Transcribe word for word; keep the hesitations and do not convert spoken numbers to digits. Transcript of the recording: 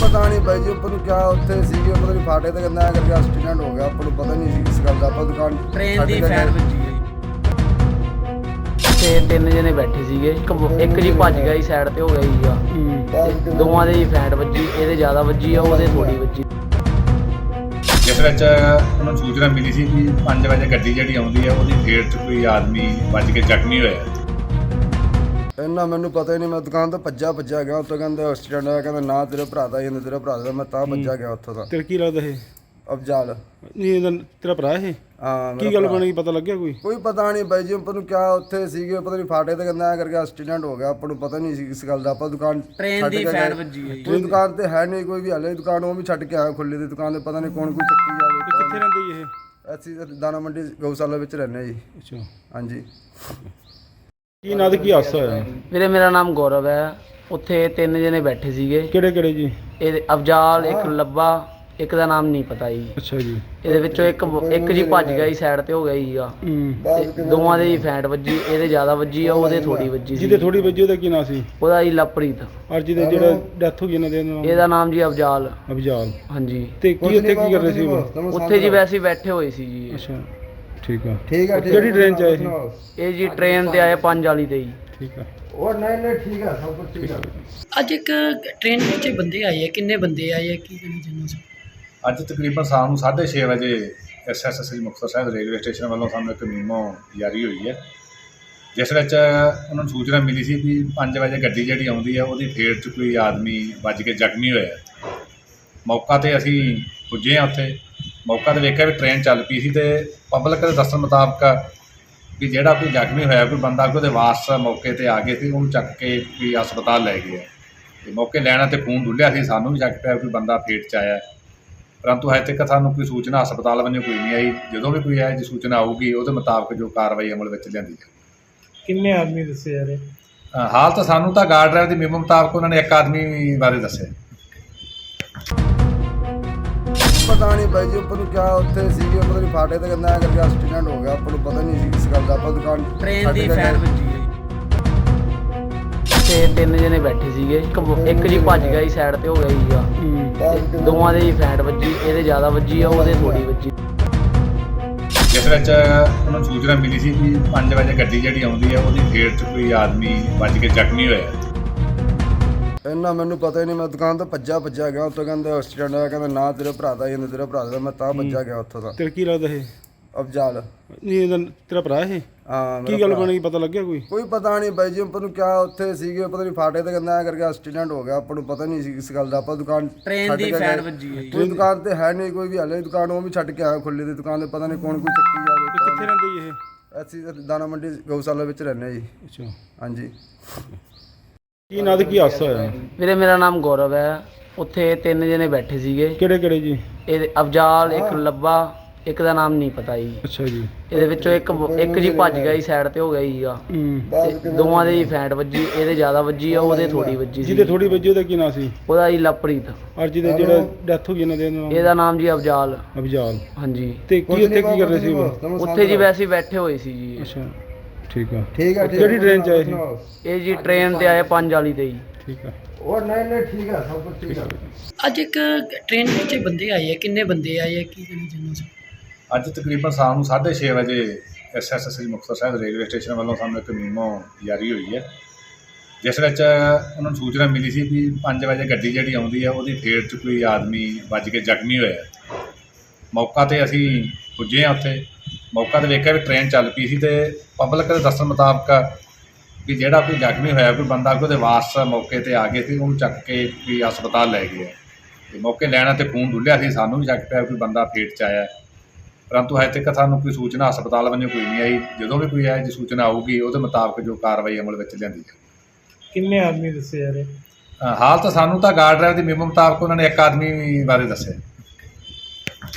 पता नहीं भाई जी अपन क्या उत्थे सीगे पता नहीं फाटे ते गंदा करके एक्सीडेंट हो गया अपन पता नहीं सी किस गल दा अपन दुकान ट्रेन ਦੀ ਫੈਨ ਵੱਜੀ ਹੈ ਤੇ ਤਿੰਨ ਜਣੇ ਬੈਠੇ ਸੀਗੇ ਇੱਕ ਇੱਕ ਜੀ ਭੱਜ ਗਿਆ ਜੀ ਸਾਈਡ ਤੇ ਹੋ ਗਿਆ ਜੀ ਤੇ ਦੋਵਾਂ ਦੇ ਜੀ ਫੈਂਟ ਵੱਜੀ ਇਹਦੇ ਜ਼ਿਆਦਾ ਵੱਜੀ ਆ ਉਹਦੇ ਥੋੜੀ ਵੱਜੀ। ਜਿਸ ਵਿੱਚ ਉਹਨਾਂ ਨੂੰ ਸੂਚਨਾ ਮਿਲੀ ਸੀ ਕਿ ਪੰਜ ਵਜੇ ਗੱਡੀ ਜਿਹੜੀ ਆਉਂਦੀ ਹੈ ਉਹਦੀ ਫੇਰ 'ਚ ਕੋਈ ਆਦਮੀ ਵੱਜ ਕੇ ਜ਼ਖਮੀ ਹੋਇਆ। ਇੰਨਾ ਮੈਨੂੰ ਪਤਾ ਹੀ ਨਹੀਂ, ਮੈਂ ਦੁਕਾਨ ਤੋਂ ਭੱਜਾ ਭੱਜਾ ਗਿਆ ਉੱਥੋਂ ਕਹਿੰਦੇ ਐਕਸੀਡੈਂਟ ਹੋਇਆ, ਕਹਿੰਦਾ ਨਾ ਤੇਰੇ ਭਰਾ ਦਾ ਹੀ ਤੇਰੇ ਭਰਾ ਦਾ, ਮੈਂ ਤਾਂ ਭੱਜਾ ਗਿਆ ਉੱਥੋਂ ਦਾ। ਤੇਰਾ ਕੀ ਲੱਗਦਾ ਇਹ ਅਫਜ਼ਾਲ ਨਹੀਂ ਇਹਦਾ ਤੇਰਾ ਭਰਾ ਇਹ ਹਾਂ ਕੀ ਗੱਲ ਬਣੀ ਪਤਾ ਲੱਗਿਆ ਕੋਈ ਕੋਈ ਪਤਾ ਨਹੀਂ ਬਾਈ ਜੀ ਆਪਾਂ ਨੂੰ ਕਿਆ ਉੱਥੇ ਸੀਗੇ ਪਤਾ ਨਹੀਂ ਫਾਟੇ ਤੇ ਗੰਦਾ ਕਰਕੇ ਐਕਸੀਡੈਂਟ ਹੋ ਗਿਆ, ਆਪਾਂ ਨੂੰ ਪਤਾ ਨਹੀਂ ਸੀ ਕਿਸ ਗੱਲ ਦਾ। ਆਪਾਂ ਦੁਕਾਨ ਟ੍ਰੇਨ ਦੀ ਫੈਨ ਵੱਜੀ ਹੈ ਕੋਈ ਦੁਕਾਨ ਤੇ ਹੈ ਨਹੀਂ ਕੋਈ ਵੀ, ਹਲੇ ਦੁਕਾਨ ਉਹ ਵੀ ਛੱਡ ਕੇ ਆਇਆ ਖੁੱਲੀ ਦੀ ਦੁਕਾਨ ਤੇ, ਪਤਾ ਨਹੀਂ ਕੌਣ ਕੋਈ ਚੱਕੀ ਜਾਵੇ। ਕਿੱਥੇ ਰਹਿੰਦੇ ਜੀ ਇਹ ਅਸੀਂ ਦਾਣਾ ਮੰਡੀ ਗਊਸ਼ਾਲਾ ਵਿੱਚ ਰਹਿੰਦੇ ਜੀ। ਅੱਛਾ ਹਾਂਜੀ ਕੀ ਨਾਂ ਤੇ ਕੀ ਹਾਦਸਾ ਹੋਇਆ ਵੀਰੇ ਮੇਰਾ ਨਾਮ ਗੌਰਵ ਹੈ। ਉੱਥੇ ਤਿੰਨ ਜਣੇ ਬੈਠੇ ਸੀਗੇ, ਕਿਹੜੇ ਕਿਹੜੇ ਜੀ ਇਹ ਅਫਜ਼ਾਲ ਇੱਕ ਲੱਭਾ ਇੱਕ ਦਾ ਨਾਮ ਨਹੀਂ ਪਤਾ ਜੀ। ਅੱਛਾ ਜੀ ਇਹਦੇ ਵਿੱਚੋਂ ਇੱਕ ਇੱਕ ਜੀ ਭੱਜ ਗਿਆ ਜੀ ਸਾਈਡ ਤੇ ਹੋ ਗਿਆ ਸੀਗਾ ਹੂੰ ਤੇ ਦੋਵਾਂ ਦੇ ਜੀ ਫੈਂਟ ਵੱਜੀ ਇਹਦੇ ਜ਼ਿਆਦਾ ਵੱਜੀ ਆ ਉਹਦੇ ਥੋੜੀ ਵੱਜੀ ਸੀ। ਜਿਹਦੇ ਥੋੜੀ ਵੱਜੀ ਉਹਦਾ ਕੀ ਨਾਂ ਸੀ ਉਹਦਾ ਜੀ ਲਵਪ੍ਰੀਤ, ਔਰ ਜਿਹਦੇ ਜਿਹੜਾ ਡੈਥ ਹੋ ਗਈ ਇਹਨਾਂ ਦੇ ਨਾਮ ਇਹਦਾ ਨਾਮ ਜੀ ਅਫਜ਼ਾਲ। ਅਬਜਾਲ ਹਾਂਜੀ ਤੇ ਕੀ ਉੱਥੇ ਕੀ ਕਰ ਰਹੇ ਸੀ ਉਹ ਉੱਥੇ ਜੀ ਵੈਸੇ ਹੀ ਬੈਠੇ ਹੋਏ ਸੀ ਜੀ। ਅੱਛਾ ਠੀਕ ਆ ਠੀਕ ਹੈ ਕਿਹੜੀ ਟ੍ਰੇਨ ਚ ਆਏ ਸੀ ਇਹ ਜੀ ਟ੍ਰੇਨ ਤੇ ਆਏ ਪੰਜ ਵਾਲੀ ਤੇ ਜੀ। ਠੀਕ ਆ ਉਹ ਨਹੀਂ ਨਹੀਂ ਠੀਕ ਹੈ ਸਭ ਕੁਝ ਠੀਕ ਹੈ। ਅੱਜ ਇੱਕ ਟ੍ਰੇਨ ਵਿੱਚ ਬੰਦੇ ਆਏ ਆ, ਕਿੰਨੇ ਬੰਦੇ ਆਏ ਆ ਕੀ ਕਹਿਣਾ ਚਾਹੁੰਦੇ ਹੋ? ਅੱਜ ਤਕਰੀਬਨ ਸ਼ਾਮ ਨੂੰ ਸਾਢੇ ਛੇ ਵਜੇ S S S Muktsar Sahib railway station ਵੱਲੋਂ ਸਾਨੂੰ ਇੱਕ ਮੀਮੋ ਜਾਰੀ ਹੋਈ ਹੈ, ਜਿਸ ਵਿੱਚ ਉਹਨਾਂ ਨੂੰ ਸੂਚਨਾ ਮਿਲੀ ਸੀ ਕਿ ਪੰਜ ਵਜੇ ਗੱਡੀ ਜਿਹੜੀ ਆਉਂਦੀ ਹੈ ਉਹਦੀ ਫੇਰ 'ਚ ਕੋਈ ਆਦਮੀ ਵੱਜ ਕੇ ਜ਼ਖਮੀ ਹੋਇਆ। ਮੌਕਾ 'ਤੇ ਅਸੀਂ ਪੁੱਜੇ ਹਾਂ। ਉੱਥੇ ਮੌਕਾ 'ਤੇ ਵੇਖਿਆ ਵੀ ਟ੍ਰੇਨ ਚੱਲ ਪਈ ਸੀ ਅਤੇ ਪਬਲਿਕ ਦੇ ਦੱਸਣ ਮੁਤਾਬਕ ਵੀ ਜਿਹੜਾ ਕੋਈ ਜ਼ਖਮੀ ਹੋਇਆ ਕੋਈ ਬੰਦਾ ਕੋਈ ਉਹਦੇ ਵਾਰਸ ਮੌਕੇ 'ਤੇ ਆ ਗਏ ਸੀ, ਉਹਨੂੰ ਚੱਕ ਕੇ ਵੀ ਹਸਪਤਾਲ ਲੈ ਗਏ। ਅਤੇ ਮੌਕੇ ਲੈਣਾ 'ਤੇ ਖੂਨ ਡੁੱਲਿਆ ਸੀ, ਸਾਨੂੰ ਵੀ ਚੱਕ ਪਿਆ ਕੋਈ ਬੰਦਾ ਫੇਟ 'ਚ ਆਇਆ, ਪਰੰਤੂ ਹਜੇ ਤੱਕ ਸਾਨੂੰ ਕੋਈ ਸੂਚਨਾ ਹਸਪਤਾਲ ਵੱਲੋਂ ਕੋਈ ਨਹੀਂ ਆਈ। ਜਦੋਂ ਵੀ ਕੋਈ ਆਏ ਜੀ ਸੂਚਨਾ ਆਊਗੀ ਉਹਦੇ ਮੁਤਾਬਕ ਜੋ ਕਾਰਵਾਈ ਅਮਲ ਵਿੱਚ ਲਿਆਂਦੀ ਜਾਵੇ। ਕਿੰਨੇ ਆਦਮੀ ਦੱਸੇ ਜਾ ਰਹੇ ਹਾਲ ਤਾਂ ਸਾਨੂੰ ਤਾਂ ਗਾਰਡ ਡਰਾਈਵਰ ਦੀ ਮੀਮੋ ਮੁਤਾਬਕ ਉਹਨਾਂ ਨੇ ਇੱਕ ਆਦਮੀ ਬਾਰੇ ਦੱਸਿਆ। ਪਤਾ ਨਹੀਂ ਬਾਈ ਜੀ ਆਪਾਂ ਨੂੰ ਕਿਆ ਉੱਥੇ ਸੀਗੇ ਪਤਾ ਨਹੀਂ ਫਾਟੇ ਤੇ ਗੰਦਾ ਕਰਕੇ ਐਕਸੀਡੈਂਟ ਹੋ ਗਿਆ, ਆਪਾਂ ਨੂੰ ਪਤਾ ਨਹੀਂ ਸੀ ਕਿਸ ਗੱਲ ਦਾ। ਆਪਾਂ ਦੁਕਾਨ ਟ੍ਰੇਨ ਦੀ ਫੈਨ ਵੱਜੀ ਹੈ ਤੇ ਤਿੰਨ ਜਣੇ ਬੈਠੇ ਸੀਗੇ ਇੱਕ ਇੱਕ ਜੀ ਭੱਜ ਗਿਆ ਜੀ ਸਾਈਡ ਤੇ ਹੋ ਗਿਆ ਸੀਗਾ ਤੇ ਦੋਵਾਂ ਦੇ ਜੀ ਫੈਂਟ ਵੱਜੀ ਇਹਦੇ ਜ਼ਿਆਦਾ ਵੱਜੀ ਆ ਉਹਦੇ ਥੋੜੀ ਵੱਜੀ। ਜਿਸ ਵਿੱਚ ਉਹਨਾਂ ਨੂੰ ਸੂਚਨਾ ਮਿਲੀ ਸੀ ਕਿ ਪੰਜ ਵਜੇ ਗੱਡੀ ਜਿਹੜੀ ਆਉਂਦੀ ਹੈ ਉਹਦੀ ਫੇਰ 'ਚ ਕੋਈ ਆਦਮੀ ਵੱਜ ਕੇ ਜ਼ਖਮੀ ਹੋਇਆ। ਇੰਨਾ ਮੈਨੂੰ ਪਤਾ ਹੀ ਨਹੀਂ, ਮੈਂ ਦੁਕਾਨ ਤੋਂ ਭੱਜਾ ਭੱਜਾ ਗਿਆ ਉੱਥੋਂ ਕਹਿੰਦੇ ਐਕਸੀਡੈਂਟ ਹੋਇਆ, ਕਹਿੰਦਾ ਨਾ ਤੇਰੇ ਭਰਾ ਦਾ ਹੀ ਤੇਰੇ ਭਰਾ ਦਾ, ਮੈਂ ਤਾਂ ਭੱਜਾ ਗਿਆ ਉੱਥੋਂ ਦਾ। ਤੇਰਾ ਕੀ ਲੱਗਦਾ ਇਹ ਅਫਜ਼ਾਲ ਨਹੀਂ ਇਹਦਾ ਤੇਰਾ ਭਰਾ ਇਹ ਹਾਂ ਕੀ ਗੱਲ ਬਣੀ ਪਤਾ ਲੱਗਿਆ ਕੋਈ ਕੋਈ ਪਤਾ ਨਹੀਂ ਬਾਈ ਜੀ ਆਪਾਂ ਨੂੰ ਕਿਆ ਉੱਥੇ ਸੀਗੇ ਪਤਾ ਨਹੀਂ ਫਾਟੇ ਤੇ ਗੰਦਾ ਕਰਕੇ ਐਕਸੀਡੈਂਟ ਹੋ ਗਿਆ, ਆਪਾਂ ਨੂੰ ਪਤਾ ਨਹੀਂ ਸੀ ਕਿਸ ਗੱਲ ਦਾ। ਆਪਾਂ ਦੁਕਾਨ ਟ੍ਰੇਨ ਦੀ ਫੈਨ ਵੱਜੀ ਹੈ ਕੋਈ ਦੁਕਾਨ ਤੇ ਹੈ ਨਹੀਂ ਕੋਈ ਵੀ, ਹਲੇ ਦੁਕਾਨ ਉਹ ਵੀ ਛੱਡ ਕੇ ਆਇਆ ਖੁੱਲੀ ਦੀ ਦੁਕਾਨ ਤੇ, ਪਤਾ ਨਹੀਂ ਕੌਣ ਕੋਈ ਚੱਕੀ ਜਾਵੇ। ਕਿੱਥੇ ਰਹਿੰਦੇ ਜੀ ਇਹ ਅਸੀਂ ਦਾਣਾ ਮੰਡੀ ਗਊਸ਼ਾਲਾ ਵਿੱਚ ਰਹਿੰਦੇ ਜੀ। ਅੱਛਾ ਹਾਂਜੀ ਕੀ ਨਾਂ ਤੇ ਕੀ ਹਾਦਸਾ ਹੋਇਆ ਵੀਰੇ ਮੇਰਾ ਨਾਮ ਗੌਰਵ ਹੈ। ਉੱਥੇ ਤਿੰਨ ਜਣੇ ਬੈਠੇ ਸੀਗੇ, ਕਿਹੜੇ ਕਿਹੜੇ ਜੀ ਇਹ ਅਫਜ਼ਾਲ ਇੱਕ ਲੱਭਾ ਇੱਕ ਦਾ ਨਾਮ ਨਹੀਂ ਪਤਾ ਜੀ। ਅੱਛਾ ਜੀ ਇਹਦੇ ਵਿੱਚੋਂ ਇੱਕ ਇੱਕ ਜੀ ਭੱਜ ਗਿਆ ਜੀ ਸਾਈਡ ਤੇ ਹੋ ਗਿਆ ਸੀਗਾ ਹੂੰ ਤੇ ਦੋਵਾਂ ਦੇ ਜੀ ਫੈਂਟ ਵੱਜੀ ਇਹਦੇ ਜ਼ਿਆਦਾ ਵੱਜੀ ਆ ਉਹਦੇ ਥੋੜੀ ਵੱਜੀ ਸੀ। ਜਿਹਦੇ ਥੋੜੀ ਵੱਜੀ ਉਹਦਾ ਕੀ ਨਾਂ ਸੀ ਉਹਦਾ ਜੀ ਲਵਪ੍ਰੀਤ, ਔਰ ਜਿਹਦੇ ਜਿਹੜਾ ਡੈਥ ਹੋ ਗਈ ਇਹਨਾਂ ਦੇ ਨਾਮ ਇਹਦਾ ਨਾਮ ਜੀ ਅਫਜ਼ਾਲ। ਅਬਜਾਲ ਹਾਂਜੀ ਤੇ ਕੀ ਉੱਥੇ ਕੀ ਕਰ ਰਹੇ ਸੀ ਉਹ ਉੱਥੇ ਜੀ ਵੈਸੇ ਹੀ ਬੈਠੇ ਹੋਏ ਸੀ ਜੀ। ਅੱਛਾ ਠੀਕ ਆ ਠੀਕ ਹੈ ਕਿਹੜੀ ਟ੍ਰੇਨ ਚ ਆਏ ਸੀ ਇਹ ਜੀ ਟ੍ਰੇਨ ਤੇ ਆਏ ਪੰਜ ਵਾਲੀ ਤੇ ਜੀ। ਠੀਕ ਆ ਉਹ ਨਹੀਂ ਨਹੀਂ ਠੀਕ ਹੈ ਸਭ ਕੁਝ ਠੀਕ ਹੈ। ਅੱਜ ਇੱਕ ਟ੍ਰੇਨ ਵਿੱਚ ਬੰਦੇ ਆਏ ਆ, ਕਿੰਨੇ ਬੰਦੇ ਆਏ ਆ ਕੀ ਕਹਿਣਾ ਚਾਹੁੰਦੇ ਹੋ? ਅੱਜ ਤਕਰੀਬਨ ਸ਼ਾਮ ਨੂੰ ਸਾਢੇ ਛੇ ਵਜੇ S S S Muktsar Sahib railway station ਵੱਲੋਂ ਸਾਨੂੰ ਇੱਕ ਮੀਮੋ ਜਾਰੀ ਹੋਈ ਹੈ, ਜਿਸ ਵਿੱਚ ਉਹਨਾਂ ਨੂੰ ਸੂਚਨਾ ਮਿਲੀ ਸੀ ਕਿ ਪੰਜ ਵਜੇ ਗੱਡੀ ਜਿਹੜੀ ਆਉਂਦੀ ਹੈ ਉਹਦੀ ਫੇਰ 'ਚ ਕੋਈ ਆਦਮੀ ਵੱਜ ਕੇ ਜ਼ਖਮੀ ਹੋਇਆ। ਮੌਕਾ 'ਤੇ ਅਸੀਂ ਪੁੱਜੇ ਹਾਂ। ਉੱਥੇ ਮੌਕਾ 'ਤੇ ਵੇਖਿਆ ਵੀ ਟ੍ਰੇਨ ਚੱਲ ਪਈ ਸੀ ਅਤੇ ਪਬਲਿਕ ਦੇ ਦੱਸਣ ਮੁਤਾਬਕ ਵੀ ਜਿਹੜਾ ਕੋਈ ਜ਼ਖਮੀ ਹੋਇਆ ਕੋਈ ਬੰਦਾ ਕੋਈ ਉਹਦੇ ਵਾਰਸ ਮੌਕੇ 'ਤੇ ਆ ਗਏ ਸੀ, ਉਹਨੂੰ ਚੱਕ ਕੇ ਵੀ ਹਸਪਤਾਲ ਲੈ ਗਏ। ਅਤੇ ਮੌਕੇ ਲੈਣਾ 'ਤੇ ਖੂਨ ਡੁੱਲਿਆ ਸੀ, ਸਾਨੂੰ ਵੀ ਚੱਕ ਪਿਆ ਕੋਈ ਬੰਦਾ ਫੇਟ 'ਚ ਆਇਆ, ਪਰੰਤੂ ਹਜੇ ਤੱਕ ਸਾਨੂੰ ਕੋਈ ਸੂਚਨਾ ਹਸਪਤਾਲ ਵੱਲੋਂ ਕੋਈ ਨਹੀਂ ਆਈ। ਜਦੋਂ ਵੀ ਕੋਈ ਆਏ ਜੀ ਸੂਚਨਾ ਆਊਗੀ ਉਹਦੇ ਮੁਤਾਬਕ ਜੋ ਕਾਰਵਾਈ ਅਮਲ ਵਿੱਚ ਲਿਆਂਦੀ ਜਾਵੇ। ਕਿੰਨੇ ਆਦਮੀ ਦੱਸੇ ਜਾ ਰਹੇ ਹਾਲ ਤਾਂ ਸਾਨੂੰ ਤਾਂ ਗਾਰਡ ਡਰਾਈਵਰ ਦੀ ਮੀਮੋ ਮੁਤਾਬਕ ਉਹਨਾਂ ਨੇ ਇੱਕ ਆਦਮੀ ਬਾਰੇ ਦੱਸਿਆ।